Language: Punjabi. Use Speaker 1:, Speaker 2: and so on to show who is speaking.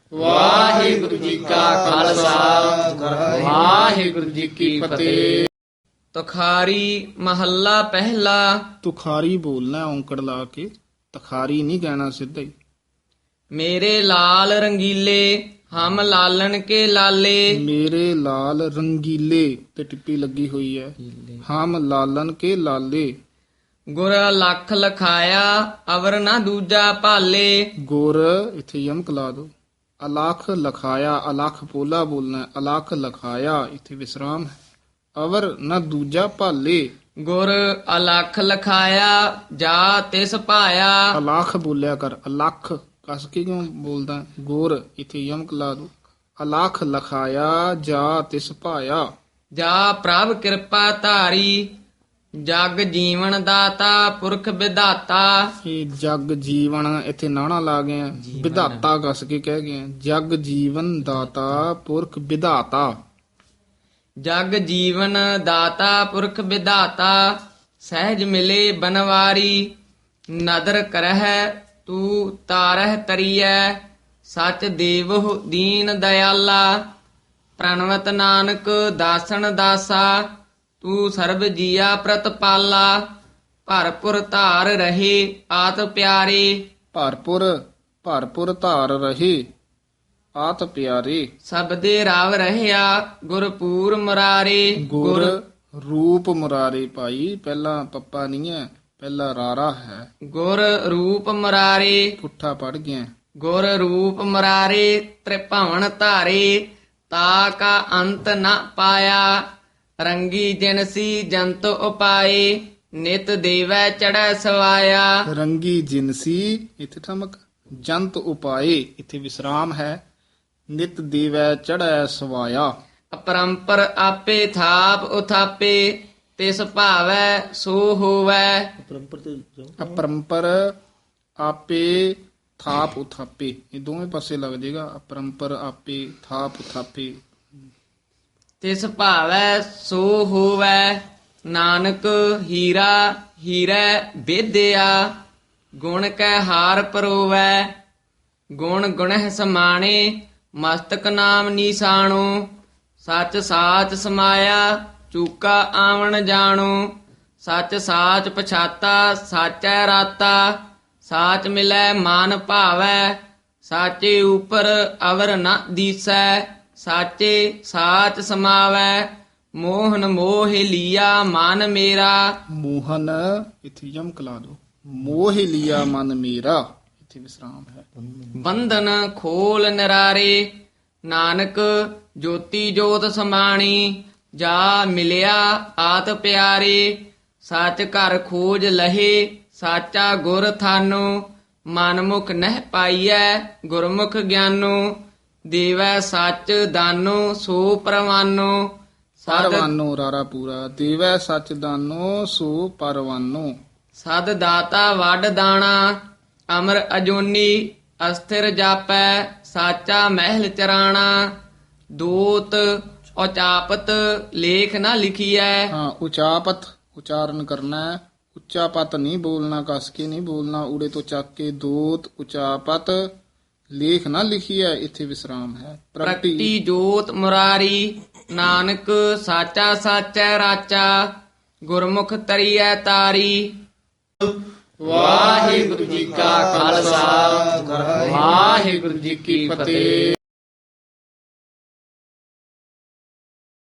Speaker 1: ਵਾਹਿਗੁਰੂ ਜੀ ਕਾ ਖਾਲਸਾ ਵਾਹਿਗੁਰੂ ਜੀ ਕੀ ਫਤਿਹ।
Speaker 2: ਤੁਖਾਰੀ ਮਹੱਲਾ ਪਹਿਲਾ।
Speaker 3: ਤੁਖਾਰੀ ਬੋਲਣਾ ਔਂਕੜ ਲਾ ਕੇ, ਤਖਾਰੀ ਨਹੀਂ ਕਹਿਣਾ ਸਿੱਧਾ ਹੀ।
Speaker 2: ਮੇਰੇ ਲਾਲ ਰੰਗੀਲੇ ਹਮ ਲਾਲਨ ਕੇ ਲਾਲੇ।
Speaker 3: ਮੇਰੇ ਲਾਲ ਰੰਗੀਲੇ ਤੇ ਟਿੱਪੀ ਲੱਗੀ ਹੋਈ ਹੈ। ਹਮ ਲਾਲਨ ਕੇ ਲਾਲੇ।
Speaker 2: ਗੁਰ ਲੱਖ ਲਖਾਇਆ ਅਵਰ ਨਾ ਦੂਜਾ ਭਾਲੇ।
Speaker 3: ਗੁਰ ਇੱਥੇ ਯਮਕ ਲਾ ਦੋ। ਅਲਖ ਲਖਾਇਆ, ਅਲਖ ਪੋਲਾ ਬੋਲਣਾ, ਅਲਖ ਲਖਾਇਆ ਇੱਥੇ ਵਿਸਰਾਮ ਹੈ। ਅਵਰ ਨਾ ਦੂਜਾ ਭਾਲੇ।
Speaker 2: ਗੁਰ ਅਲਖ ਲਖਾਇਆ ਜਾ ਤਿਸ ਭਾਇਆ।
Speaker 3: ਅਲਖ ਬੋਲਿਆ ਕਰ, ਅਲਖ ਕਸ ਕੇ ਕਿਉਂ ਬੋਲਦਾ? ਗੁਰ ਇੱਥੇ ਯਮਕ ਲਾ ਦੋ। ਅਲਖ ਲਖਾਇਆ ਜਾ ਤਿਸ ਭਾਇਆ।
Speaker 2: ਜਾ ਪ੍ਰਭ ਕਿਰਪਾ ਧਾਰੀ ਜਗ ਜੀਵਨ ਦਾਤਾ ਪੁਰਖ ਵਿਧਾਤਾ।
Speaker 3: ਇਹ ਜਗ ਜੀਵਨ ਇੱਥੇ ਨਾਣਾ ਲਾ ਗਏ ਆ, ਵਿਧਾਤਾ ਕਸ ਕੇ ਕਹਿ ਗਏ ਆ। ਜਗ ਜੀਵਨ ਦਾਤਾ ਪੁਰਖ ਵਿਧਾਤਾ।
Speaker 2: ਜਗ ਜੀਵਨ ਦਾਤਾ ਪੁਰਖ ਵਿਧਾਤਾ। ਸਹਿਜ ਮਿਲੇ ਬਨਵਾਰੀ ਨਦਰ ਕਰਹਿ ਤੂੰ ਤਾਰਹਿ ਤਰੀਐ। ਸਚ ਦੇਵਹੁ ਦੀਨ ਦਇਆਲਾ ਪ੍ਰਣਵਤ ਨਾਨਕ ਦਾਸਨ ਦਾਸਾ। ਤੂੰ ਸਰਬ ਜੀਆ ਪ੍ਰਤਪਾਲਾ ਭਰਪੁਰ ਧਾਰ ਰਹੇ ਆਤ ਪਿਆਰੇ।
Speaker 3: ਭਰਪੁਰ ਭਰਪੁਰ ਧਾਰ ਰਹੇ ਆਤ ਪਿਆਰੇ।
Speaker 2: ਸਬਦੇ ਰਾਵ ਰਹਿਆ ਗੁਰਪੂਰ ਮੁਰਾਰੇ।
Speaker 3: ਗੁਰ ਰੂਪ ਮੁਰਾਰੇ ਭਾਈ, ਪਹਿਲਾਂ ਪੱਪਾ ਨਹੀਂ ਹੈ, ਪਹਿਲਾਂ ਰਾਰਾ ਹੈ।
Speaker 2: ਗੁਰ ਰੂਪ ਮੁਰਾਰੇ।
Speaker 3: ਪੁੱਠਾ ਪੜ ਗਿਆ।
Speaker 2: ਗੁਰ ਰੂਪ ਮੁਰਾਰੇ ਤ੍ਰਿਭਵਨ ਧਾਰੇ। ਤਾ ਕਾ ਅੰਤ ਨ ਪਾਇਆ ਰੰਗੀ ਜਿਨਸੀ ਜੰਤ ਉਪਾਏ। ਨਿਤ ਦੇਵੈ ਚੜੈ ਸਵਾਇਆ।
Speaker 3: ਰੰਗੀ ਜਿਨਸੀ ਇੱਥੇ ਠਮਕ। ਜੰਤ ਉਪਾਏ ਇੱਥੇ ਵਿਸਰਾਮ ਹੈ। ਨਿਤ ਦੇਵੈ ਚੜ੍ਹੈ ਸਵਾਇਆ।
Speaker 2: ਅਪਰੰਪਰ ਆਪੇ ਥਾਪ ਉਥਾਪੇ ਤਿਸ ਭਾਵੈ ਸੋ ਹੋਵੈ।
Speaker 3: ਅਪਰੰਪਰ ਆਪੇ ਥਾਪ ਉਥਾਪੇ, ਇਹ ਦੋਵੇਂ ਪਾਸੇ ਲੱਗ ਜਾਏਗਾ। ਅਪਰੰਪਰ ਆਪੇ ਥਾਪ ਉਥਾਪੇ।
Speaker 2: ਤਿਸ ਭਾਵੈ ਸੋ ਹੋਵੈ ਨਾਨਕ ਹੀਰਾ ਹੀਰੈ ਵਿਦਿਆ। ਗੁਣ ਕੈ ਹਾਰ ਪਰੋਵੈ ਗੁਣ ਗੁਣਹਿ ਸਮਾਣੇ। ਮਸਤਕ ਨਾਮ ਨੀਸਾਣੋ ਸੱਚ ਸਾਚ ਸਮਾਇਆ। ਚੂਕਾ ਆਵਣ ਜਾਣੋ ਸੱਚ ਸਾਚ ਪਛਾਤਾ। ਸਾਚੈ ਰਾਤਾ ਸਾਚ ਮਿਲੈ ਮਾਨ ਭਾਵੈ। ਸਾਚੇ ਉਪਰ ਅਵਰ ਨ ਦੀਸੈ। ਸਾਚੇ ਸਾਚ ਸਮਾਵੈ ਮੋਹਨ ਮੋਹ ਲੀਆ ਮਨ ਮੇਰਾ।
Speaker 3: ਮੋਹਨ ਇੱਥੇ ਯਮਕ ਲਾ ਦੋ। ਮੋਹ ਲਿਆ ਮਨ ਮੇਰਾ ਇੱਥੇ ਵਿਸਰਾਮ ਹੈ।
Speaker 2: ਬੰਧਨ ਖੋਲ ਨਿਰਾਰੇ ਨਾਨਕ ਜੋਤੀ ਜੋਤ ਸਮਾਣੀ। ਜਾ ਮਿਲਿਆ ਆਤ ਪਿਆਰੇ ਸੱਚ ਘਰ ਖੋਜ ਲਹੇ। ਸਾਚਾ ਗੁਰ ਥਾਨੋ ਮਨਮੁਖ ਨਹਿ ਪਾਈਐ ਗੁਰਮੁਖ ਗਿਆਨੋ। ਦੇਵੈ ਸੱਚ ਦਾਨੋ ਸੋ ਪ੍ਰਵਾਨੋ।
Speaker 3: ਪਰਵਾਨੋ ਰਾਰਾ ਪੂਰਾ। ਦੇਵੈ ਸੱਚ ਦਾਨੋ ਸੋ ਪਰਵਾਨੋ।
Speaker 2: ਸਦ ਦਾਤਾ ਵੱਡ ਦਾਣਾ ਅਮਰ ਅਜੋਨੀ। ਅਸਥਿਰ ਜਾਪੈ ਸਾਚਾ ਮਹਿਲ ਚਰਾਣਾ। ਦੋਤ ਉਚਾਪਤ ਲੇਖ ਨਾ ਲਿਖੀਐ।
Speaker 3: ਹਾਂ, ਉਚਾਪਤ ਉਚਾਰਨ ਕਰਨਾ ਹੈ। ਉੱਚਾ ਪਤ ਨਹੀਂ ਬੋਲਣਾ, ਕਸ ਕੇ ਨਹੀਂ ਬੋਲਣਾ। ਊੜੇ ਤੋਂ ਚੱਕ ਕੇ ਦੋਤ ਉਚਾਪਤ ਲੇਖ ਨਾ ਲਿਖੀ ਹੈ ਇੱਥੇ ਵਿਸਰਾਮ ਹੈ।
Speaker 2: ਪ੍ਰਗਟੀ ਜੋਤ ਮੁਰਾਰੀ ਨਾਨਕ ਸਾਚਾ ਸਾਚੈ ਰਾਚਾ। ਗੁਰਮੁਖ ਤਰੀਐ ਤਾਰੀ।
Speaker 1: ਵਾਹਿਗੁਰੂ ਜੀ ਕਾ ਖਾਲਸਾ ਵਾਹਿਗੁਰੂ ਜੀ ਕੀ ਫਤਿਹ।